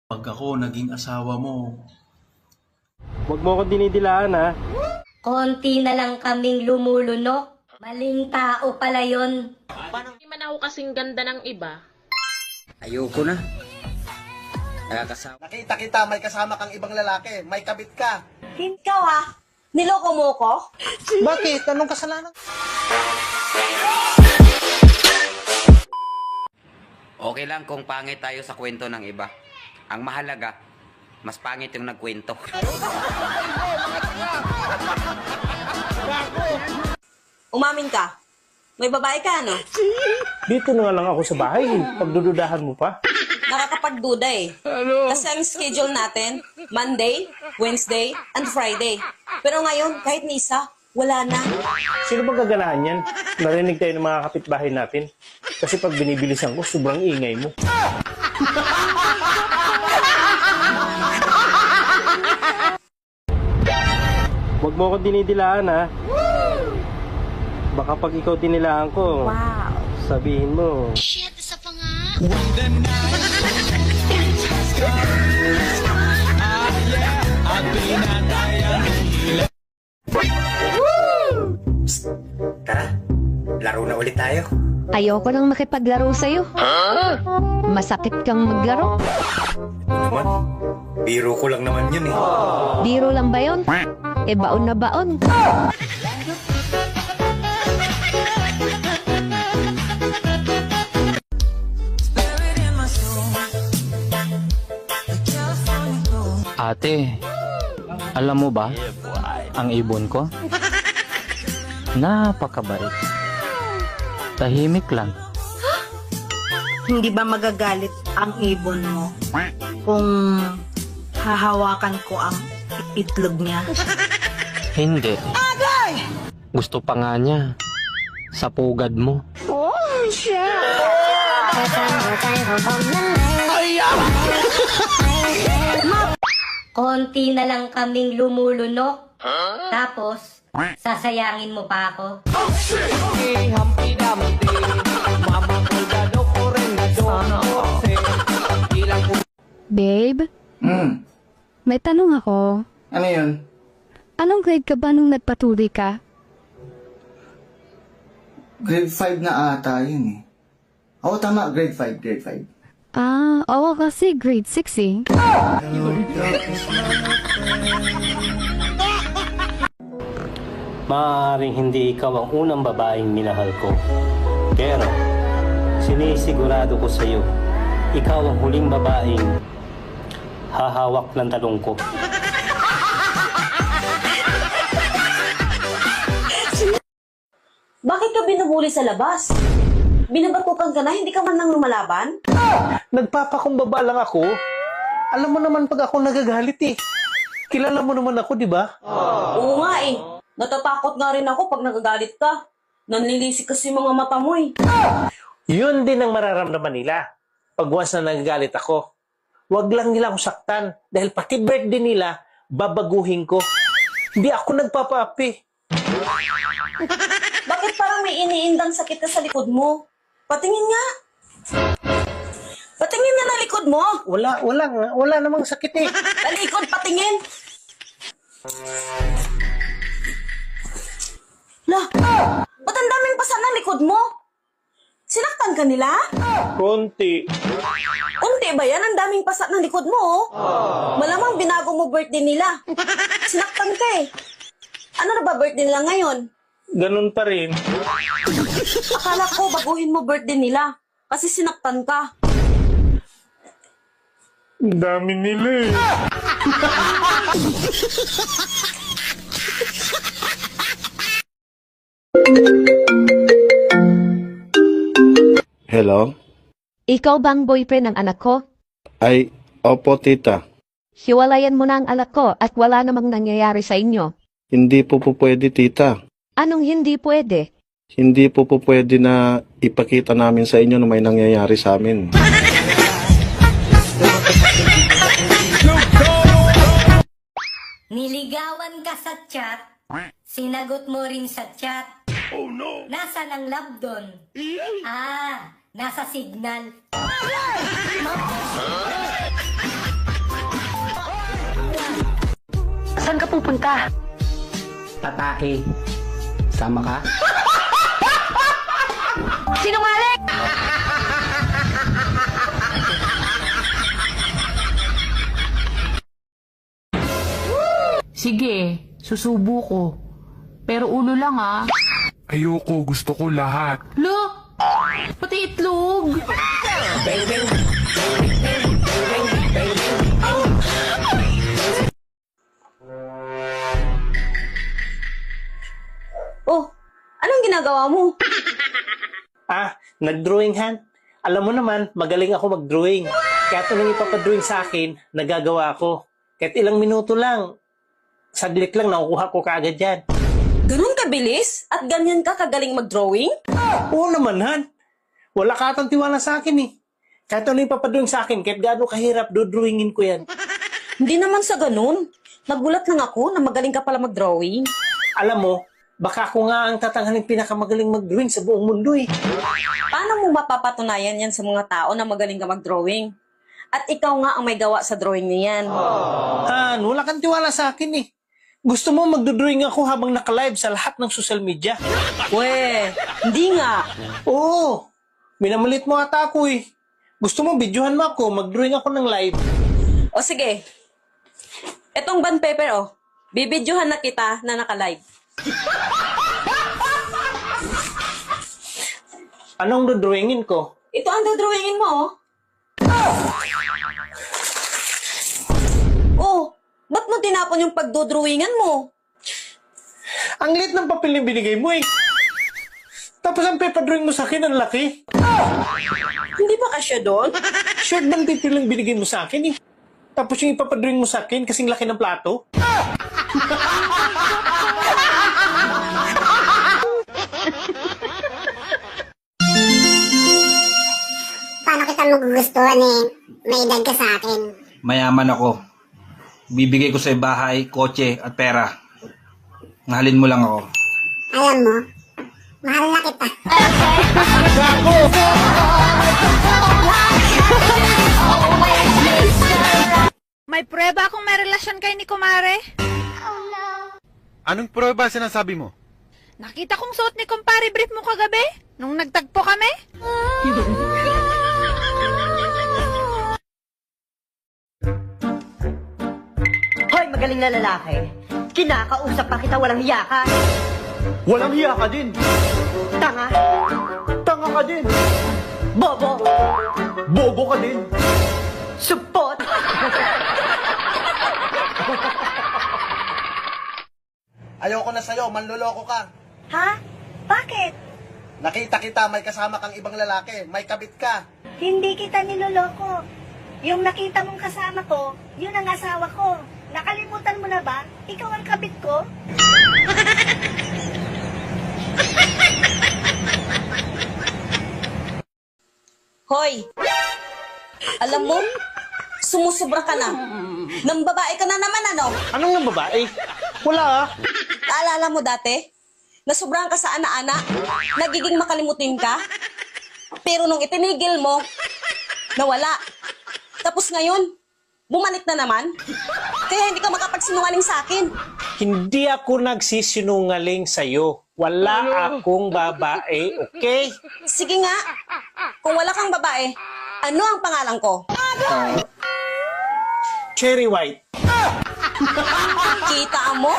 Pag ako naging asawa mo, Huwag mo akong dinidilaan, ha? Konti na lang kaming lumulunok. Maling tao pala yon. Hindi man ako kasing ganda ng iba. Ayoko na. Nakakasawa. Nakita kita, may kasama kang ibang lalaki. May kabit ka. Ikaw ah, niloko mo ko? Bakit? Anong kasalanan? Okay lang kung pangit tayo sa kwento ng iba. Ang mahalaga, mas pangit yung nagkwento. Umamin ka. May babae ka, no? Dito na nga lang ako sa bahay. Pagdududahan mo pa. Nakakapagduda eh. Kasi ang schedule natin, Monday, Wednesday, and Friday. Pero ngayon, kahit ni isa, wala na. Sino bang gaganahan yan? Narinig tayo ng mga kapitbahay natin. Kasi pag binibilisan ko, sobrang ingay mo. Huwag mo akong dinidilaan, ha? Baka pag ikaw dinilaan ko, sabihin mo, Shit, isa pa nga. Tara, laro na ulit tayo. Ayoko nang makipaglaro sa'yo. Masakit kang maglaro. Naman, biro ko lang naman yun eh. Biro lang ba yun? E baon na baon. Ate, alam mo ba, ang ibon ko? Napakabait. Tahimik lang. Hindi ba magagalit ang ibon mo kung hahawakan ko ang itlog niya? Hindi. Gusto pa nga niya. Sa pugad mo. Konti na lang kaming lumulunok. Tapos, sasayangin mo pa ako. Babe, may tanong ako. Ano yun? Anong grade ka ba nung nagpatuloy ka? Grade 5 na ata yun eh. Oo, tama. Grade 5, grade 5. Ah, oo kasi grade 6 eh. maaaring hindi ikaw ang unang babaeng minahal ko. Pero, sinisigurado ko sa iyo, ikaw ang huling babaeng hahawak ng talong ko. Bakit ka binubuli sa labas? Binabatukan ka na, hindi ka man nang lumalaban? Nagpapakumbaba lang ako. Alam mo naman pag ako nagagalit eh. Kilala mo naman ako, di ba? Oo nga eh. Natatakot nga rin ako pag nagagalit ka. Nanlilisik kasi mga mata mo eh. Yun din ang mararamdaman nila. Pag once na nagagalit ako, wag lang nila akong saktan. Dahil pati birthday nila, babaguhin ko. Hindi ako nagpapaapi. Bakit parang may iniindang sakit ka sa likod mo? Patingin nga. Patingin nga na likod mo. Wala namang sakit eh. Talikod, patingin. Lah, ba't ang daming pasa ng likod mo? Sinaktan ka nila? Konti. Unti ba yan? Ang daming pasa ng likod mo, oh. Malamang binago mo birthday nila. Sinaktan ka eh. Ano na ba birthday nila ngayon? Ganun pa rin. Akala ko baguhin mo birthday nila. Kasi sinaktan ka. Ang dami nila eh. Hello? Ikaw bang boyfriend ng anak ko? Ay, opo tita. Hiwalayan mo na ang anak ko at wala namang nangyayari sa inyo. Hindi po pwede tita. Anong hindi pwede? Hindi po pwede na ipakita namin sa inyo na may nangyayari sa amin. Niligawan ka sa chat, sinagot mo rin sa chat. Oh no! Nasaan ang love doon? Ah, nasa signal. Saan ka pupunta? Tatake. Sama ka? Sinungaling! Sige, susubo ko. Pero ulo lang ah. Ayoko, gusto ko lahat. Look! Pati itlog! Oh, anong ginagawa mo? Nag-drawing Han. Alam mo naman, magaling ako mag-drawing. Kaya ito nang ipapadrawing sa akin, nagagawa ko. Kahit ilang minuto lang, saglit lang, nakukuha ko kaagad yan. Ganun kabilis? At ganyan ka kagaling mag-drawing? Oo naman, Han. Wala ka atang tiwala sa akin eh. Kahit ano ipapadrawing sa akin, kahit gaano kahirap, dodrawingin ko yan. Hindi naman sa ganun. Nagulat lang ako na magaling ka pala mag-drawing. Alam mo, baka ako nga ang tatanghaling pinakamagaling mag-drawing sa buong mundo eh. Paano mo mapapatunayan yan sa mga tao na magaling ka mag-drawing? At ikaw nga ang may gawa sa drawing niyan. Han, wala kang tiwala sa akin eh. Gusto mo magdodrawing ako habang naka-live sa lahat ng social media? We, hindi nga. Oo, minamalit mo ata ako eh. Gusto mo, videohan mo ako, mag-drawing ako ng live. O sige, etong band paper oh, bibidyohan na kita na naka-live. Anong dodrawingin ko? Ito ang dodrawingin mo oh. Oh, ba't mo tinapon yung pagdodrawingan mo? Ang liit ng papel na binigay mo eh. Tapos ang paper drawing mo sa akin, ang laki. Hindi ba kasya doon? Short band paper lang binigay mo sa akin eh. Tapos yung ipapadrawing mo sa akin, kasing laki ng plato. Paano kita magugustuhan eh? May edad ka sa akin. Mayaman ako. Bibigay ko sa bahay, kotse at pera. Mahalin mo lang ako. Alam mo, mahal na kita. May prueba kung may relasyon kayo ni Kumare? Anong prueba sinasabi mo? Nakita kong suot ni Kumpare brief mo kagabi nung nagtagpo kami. Hoy, magaling na lalaki. Kinakausap pa kita, walang hiya ka. Walang hiya ka din. Tanga. Tanga ka din. Bobo. Bobo ka din. Supot. Ayoko na sa'yo, manloloko ka. Ha? Bakit? Nakita kita, may kasama kang ibang lalaki, may kabit ka. Hindi kita niloloko. Yung nakita mong kasama ko, yun ang asawa ko. Nakalimutan mo na ba? Ikaw ang kabit ko? Hoy. Alam mo, sumusubra ka na. Nang babae ka na naman, ano? Anong nang babae? Wala ah. Naalala mo dati? Nasubrahan ka sa ana-ana? Nagiging makalimutin ka? Pero nung itinigil mo, nawala. Tapos ngayon, bumalik na naman? Kaya hindi ka makapagsinungaling sa akin. Hindi ako nagsisinungaling sa'yo. Wala akong babae, okay? Sige nga, kung wala kang babae, ano ang pangalan ko? Cherry White. Kita mo?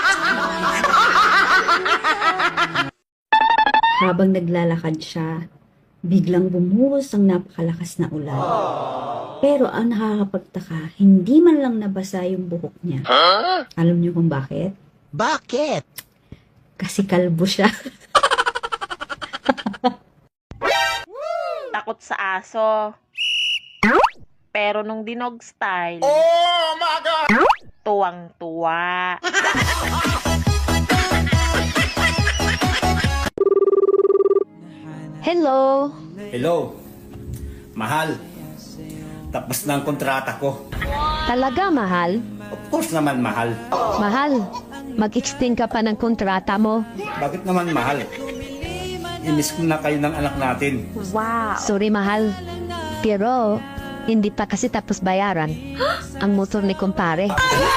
Habang naglalakad siya, biglang bumuhos ang napakalakas na ulan. Pero ang nakakapagtaka, hindi man lang nabasa yung buhok niya. Alam niyo kung bakit? Bakit? Kasi kalbo siya. Takot sa aso. Pero nung dinog style, Oh my God! tuwang-tuwa. Hello? Hello. Mahal. Tapos na ang kontrata ko. Talaga, mahal? Of course naman mahal. Mahal, mag-extend ka pa ng kontrata mo. Bakit naman mahal? Inis ko na kayo ng anak natin. Sorry, mahal. Pero, Hindi pa kasi tapos bayaran ang motor ni kumpare.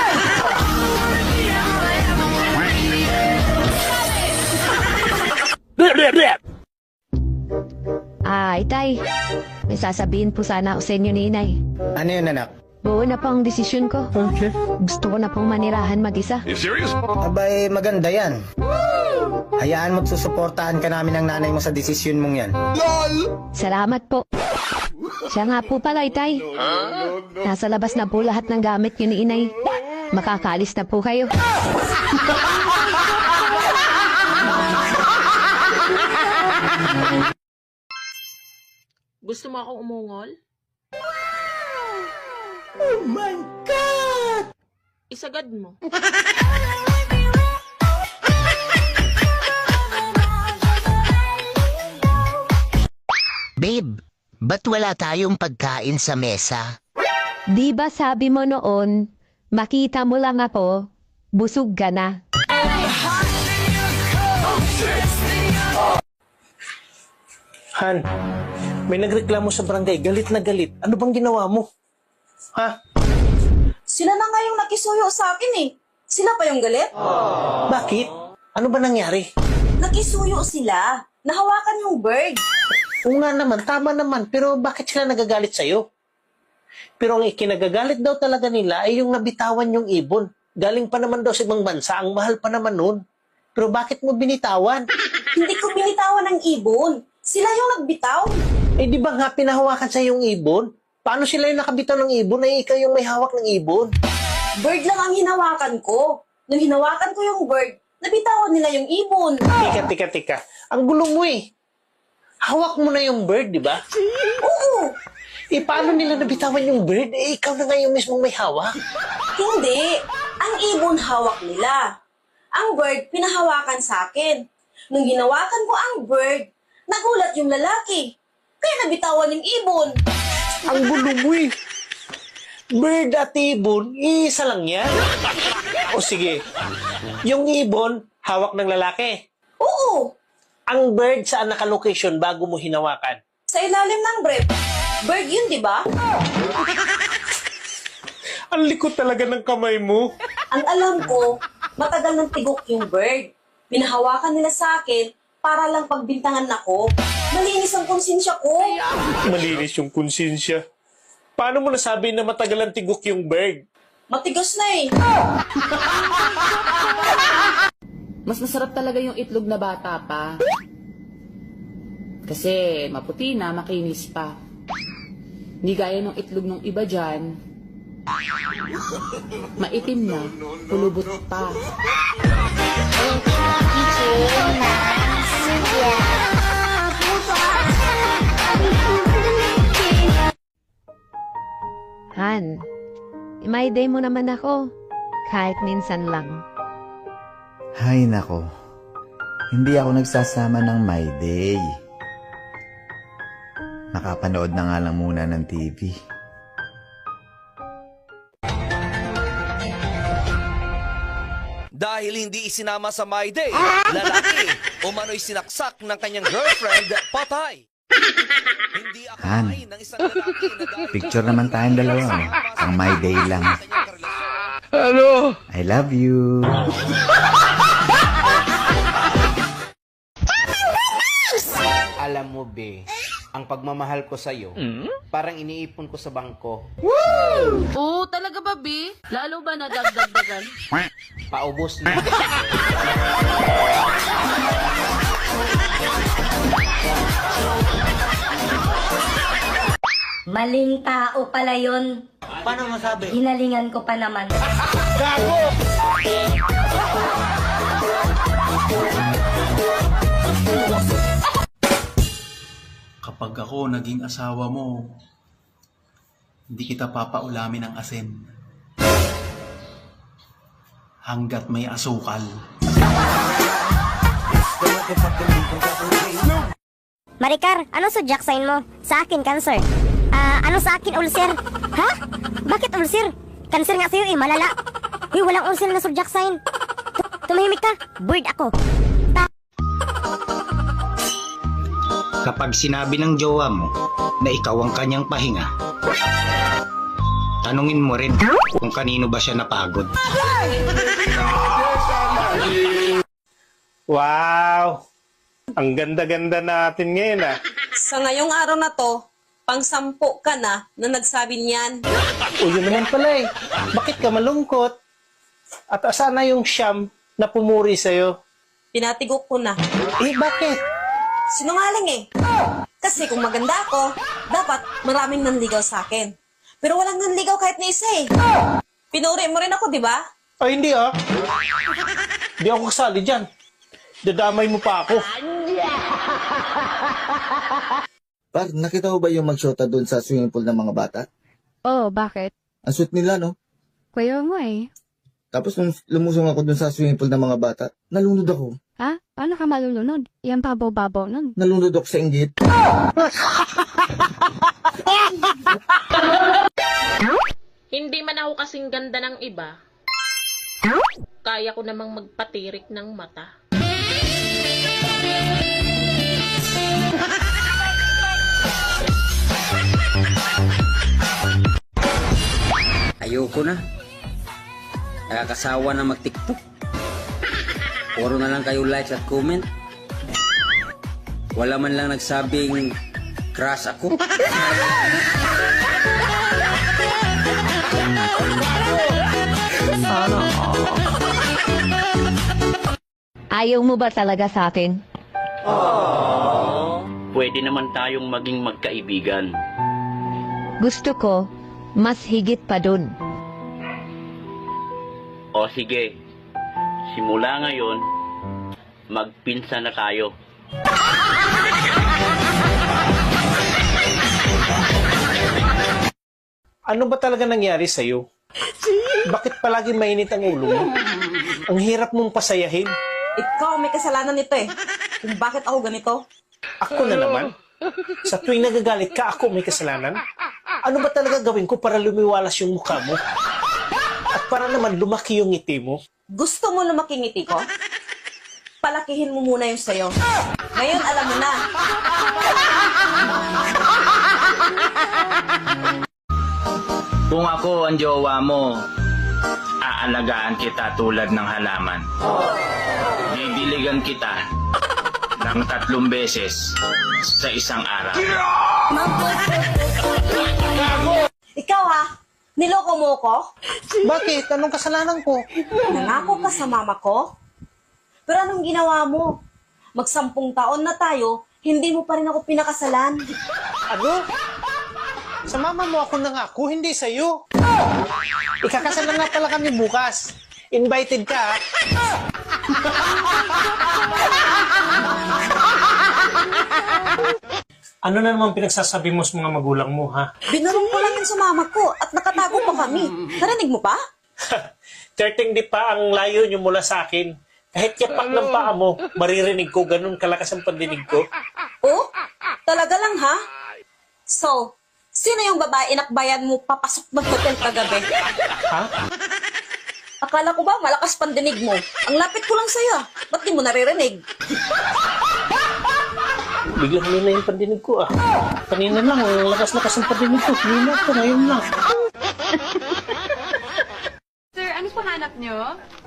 Ay, tay. May sasabihin po sana ako sa inyo ni inay. Ano yun, anak? Buo na po ang desisyon ko. Gusto ko na pong manirahan mag-isa. Abay, maganda yan. Hayaan mo't susuportahan ka namin ng nanay mo sa desisyon mong yan. Salamat po. Siya nga po pala, tay. Nasa labas na po lahat ng gamit niyo ni inay. Makakalis na po kayo. Gusto mo akong umungol? Oh my God! Isagad mo. Babe, ba't wala tayong pagkain sa mesa? Di ba sabi mo noon, makita mo lang ako, busog ka na. Han, may nagreklamo sa barangay, galit na galit. Ano bang ginawa mo? Ha? Sila na nga yung nakisuyo sa akin eh. Sila pa yung galit? Bakit? Ano ba nangyari? Nakisuyo sila. Nahawakan yung bird. Oo nga naman, tama naman. Pero bakit sila nagagalit sa'yo? Pero ang ikinagagalit daw talaga nila ay yung nabitawan yung ibon. Galing pa naman daw sa ibang bansa, ang mahal pa naman nun. Pero bakit mo binitawan? Hindi ko binitawan ng ibon. Sila yung nagbitaw. Eh di ba nga pinahawakan sa yung ibon? Paano sila yung nakabitaw ng ibon ay ikaw yung may hawak ng ibon? Bird lang ang hinawakan ko. Nung hinawakan ko yung bird, nabitawan nila yung ibon. Tika. Ang gulo mo eh. Hawak mo na yung bird, di ba? Oo. Eh, paano nila nabitawan yung bird? Eh, ikaw na nga yung mismong may hawak. Hindi. Ang ibon hawak nila. Ang bird, pinahawakan sa akin. Nung hinawakan ko ang bird, nagulat yung lalaki. Kaya nabitawan yung ibon. Ang gulo mo eh. Bird at ibon, isa lang yan. O sige, yung ibon, hawak ng lalaki. Oo. Ang bird, saan naka-location bago mo hinawakan? Sa ilalim ng brief. Bird yun, di ba? Ang likot talaga ng kamay mo. Ang alam ko, matagal ng tigok yung bird. Pinahawakan nila sa akin para lang pagbintangan ako. Malinis ang konsensya ko. Malinis yung konsensya. Paano mo nasabi na matagal ang tigok yung bird? Matigas na eh. Mas masarap talaga yung itlog na bata pa. Kasi maputi na, makinis pa. Hindi gaya ng itlog ng iba dyan. Maitim na, pulubot pa. Han, may day mo naman ako. Kahit minsan lang. Hay nako, hindi ako nagsasama ng My Day. Nakapanood na nga lang muna ng TV. Dahil hindi isinama sa My Day, lalaki umano'y sinaksak ng kanyang girlfriend, patay. Hindi Han, akalain ng isang lalaki na dahil picture naman tayong dalawa. Oh. Ang My Day lang. Ano? I love you. Alam mo, be, ang pagmamahal ko sa'yo, parang iniipon ko sa bangko. Oo, talaga ba, B? Lalo ba nadagdagdagan? Paubos na. Maling tao pala yun. Paano masabi? Hinalingan ko pa naman. Gago! Kapag ako naging asawa mo, hindi kita papaulamin ng asin. Hanggat may asukal. Maricar, ano zodiac sign mo? Sa akin, Cancer. Ano sa akin, ulcer? Ha? Bakit ulcer? Cancer nga sa'yo eh, malala. Uy, walang ulcer na zodiac sign. Tumahimik ka, bird ako. Kapag sinabi ng jowa mo na ikaw ang kanyang pahinga, Tanungin mo rin kung kanino ba siya napagod. Wow! Ang ganda-ganda natin ngayon ah. Sa ngayong araw na to, pang-sampu ka na nagsabi niyan. O yun naman pala eh. Bakit ka malungkot? At asan na yung siyam na pumuri sa'yo? Pinatigok ko na. Eh, bakit? Sinungaling eh. Kasi kung maganda ako, dapat maraming nanligaw sa akin. Pero walang nanligaw kahit na isa eh. Pinuri mo rin ako, di ba? Ay, hindi ah. Hindi ako kasali dyan. Dadamay mo pa ako. Par, nakita mo ba yung magshota doon sa swimming pool ng mga bata? Oh, bakit? Ang sweet nila, no? Kuya mo eh. Tapos nung lumusong ako doon sa swimming pool ng mga bata, nalunod ako. Ha? Paano ka malulunod? Yan babaw-babaw nun. Nalunod ako sa inggit. Hindi man ako kasing ganda ng iba. Kaya ko namang magpatirik ng mata. Ayoko na. Nakakasawa na mag-TikTok. Puro na lang kayo likes at comment. Wala man lang nagsabing crush ako. Ayaw mo ba talaga sa akin? Pwede naman tayong maging magkaibigan. Gusto ko, mas higit pa dun. O sige, simula ngayon, magpinsan na tayo. Ano ba talaga nangyari sa'yo? Bakit palagi mainit ang ulo mo? Ang hirap mong pasayahin. Ikaw may kasalanan nito eh. Kung bakit ako ganito. Ako na naman. Sa tuwing nagagalit ka, ako may kasalanan. Ano ba talaga gawin ko para lumiwalas yung mukha mo? At para naman lumaki yung ngiti mo? Gusto mo lumaki ngiti ko? Palakihin mo muna yung sayo. Ngayon alam mo na. Kung ako ang jowa mo, aalagaan kita tulad ng halaman. Bibiligan kita ng 3 beses sa isang araw. Ikaw ha, niloko mo ko? Bakit? Anong kasalanan ko? Nangako ka sa mama ko? Pero anong ginawa mo? 10 taon na tayo, hindi mo pa rin ako pinakasalan. Ano? Sa mama mo ako nangako, hindi sa'yo. Ikakasal na nga pala kami bukas. Invited ka, ha? Ano na naman pinagsasabi mo sa mga magulang mo, ha? Binarong ko lang yun sa mama ko at nakatago pa kami. Narinig mo pa? 13 di pa ang layo niyo mula sa akin. Kahit yapak ng paa mo, maririnig ko, ganun kalakas ang pandinig ko. Oh? Talaga lang ha? So, sino yung babae inakbayan mo papasok ng hotel kagabi? Ha? Akala ko ba malakas pandinig mo? Ang lapit ko lang sa'yo. Ba't di mo naririnig? Biglang huli na yung pandinig ko, ah. Kanina lang, ang lakas-lakas ang pandinig ko. Huli ko, ngayon lang. Sir, ano pa hanap nyo?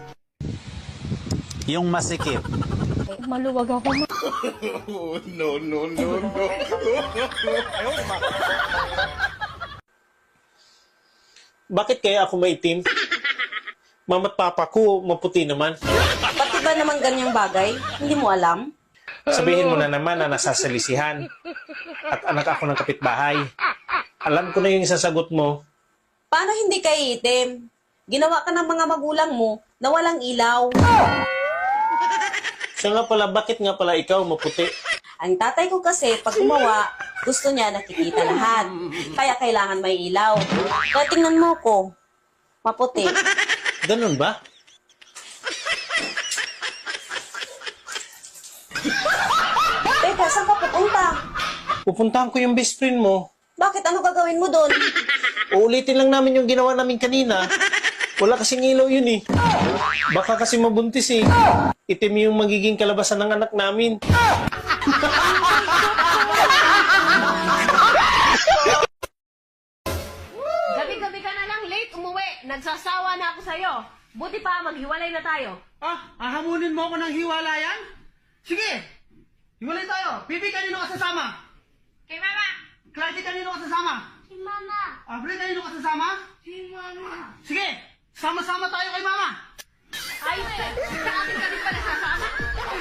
Yung masikip. Maluwag ako. No. Bakit kaya ako maitim? Mama at papa ko, maputi naman. Pati ba naman ganyang bagay? Hindi mo alam? Sabihin mo na naman na nasasalisihan. At anak ako ng kapitbahay. Alam ko na yung isasagot mo. Paano hindi ka iitim? Ginawa ka ng mga magulang mo na walang ilaw. Siya nga pala, bakit nga pala ikaw maputi? Ang tatay ko kasi, pag gumawa, gusto niya nakikita lahat. Kaya kailangan may ilaw. Kaya tingnan mo ko, maputi. Ganun ba? Teka, saan ka pupunta? Pupuntahan ko yung best friend mo. Bakit? Ano gagawin mo doon? Uulitin lang namin yung ginawa namin kanina. Wala kasing ilaw yun eh. Baka kasi mabuntis eh. Itim yung magiging kalabasan ng anak namin. nagsasawa na ako sa'yo. Buti pa, maghiwalay na tayo. Hahamunin mo ako ng hiwalayan? Sige! Hiwalay tayo! Pipi, kanino ka sasama? Kay Mama! Clarky, kanino ka sasama? Si Mama! Abre, kanino ka sasama? Si Mama! Sige! Sama-sama tayo kay Mama! Ay, sa akin ka din pala sasama?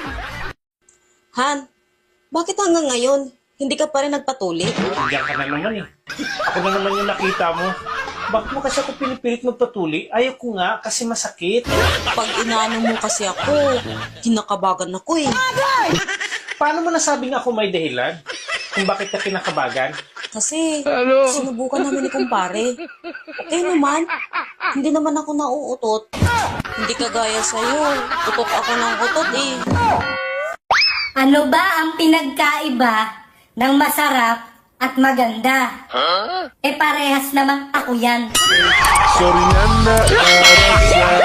Han, bakit hanggang ngayon, hindi ka pa rin nagpatuli? Diyan ka na naman eh. Ako na naman yung nakita mo. Bakit mo kasi ako pinipilit magpatuli? Ayaw ko nga kasi masakit. Pag inaano mo kasi ako, kinakabagan ako eh. Paano mo nasabing ako may dahilan? Kung bakit ka kinakabagan? Kasi sinubukan namin ni kumpare. Okay naman, hindi naman ako nauutot. Hindi kagaya sa'yo, utot ako ng utot eh. Ano ba ang pinagkaiba ng masarap at maganda? Parehas namang ako yan. Sorry na